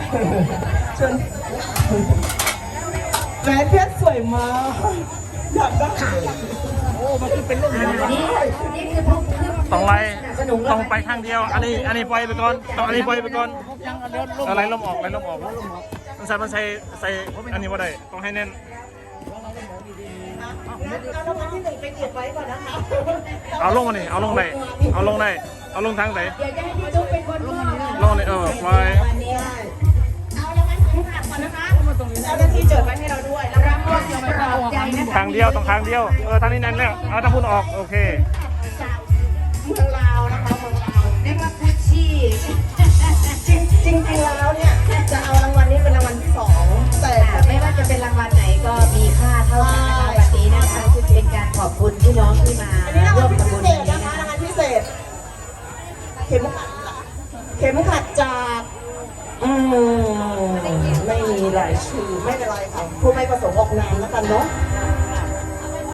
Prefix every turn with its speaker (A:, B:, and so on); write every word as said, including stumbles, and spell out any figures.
A: เชิญแหวนเพชรสวยมากอยากได้โอ้มันคือเป็นลูกนี้
B: นี่นี่คือพวก
C: ต้องไล่ต้องไปข้างเดียวอันนี้อันนี้ปล่อยไปก่อนต้องอันนี้ปล่อยไปก่อนอะไรลมออกอะไรลมออกมันใส่มันใส่ใส่อันนี้ว่าได้ต้องให้แน่น
A: เอารางวัลที่หนึ่งไปเก็บไว้ก่อนนะคะ
C: เอาลงมานี่เอาลงได้เอาลงได้เอาลงทางไหน
B: เดี๋ยวจะให้พี่จุ๊บเป็นคนลง
C: ลงนี่เออปล่อย
B: เอารางวัลของหักก่อนนะคะ
A: เจ้าหน้าที่จดไว้ให้เราด้วยแล้ว
B: รางวัลปลอบใจนะคะ
C: ทางเดียวต้องทางเดียวเออทางนี้แน่นแล้วเอาทางพุ่นออกโอเค
A: จากเมืองลาวนะคะเมืองลาว
B: เรียกว่าพุชชี่
A: จริงจริงจริงแล้วเนี่ยจะเอารางวัลนี้เป็นรางวัลที่สองแต่
B: ไม่ว่าจะเป็นรางวัลไหนก็มีค่าเท่ากันนะคะวันนี้นะคะเป็นการขอบคุณพี่น้องที่มา
A: อันนี้ราง
B: ร่
A: วั
B: ว
A: ล
B: ม
A: พิ
B: ทำบุญ
A: เศ
B: ใน
A: ษ
B: นี้
A: นะคะ
B: นะคะ
A: รางวัลพิเศษเข็มขัดเข็มขัดจากอืมไม่มีรายชื่อไม่เป็นไรค่ะผู้ไม่ประสงค์ออกนามแล้วกันเนาะ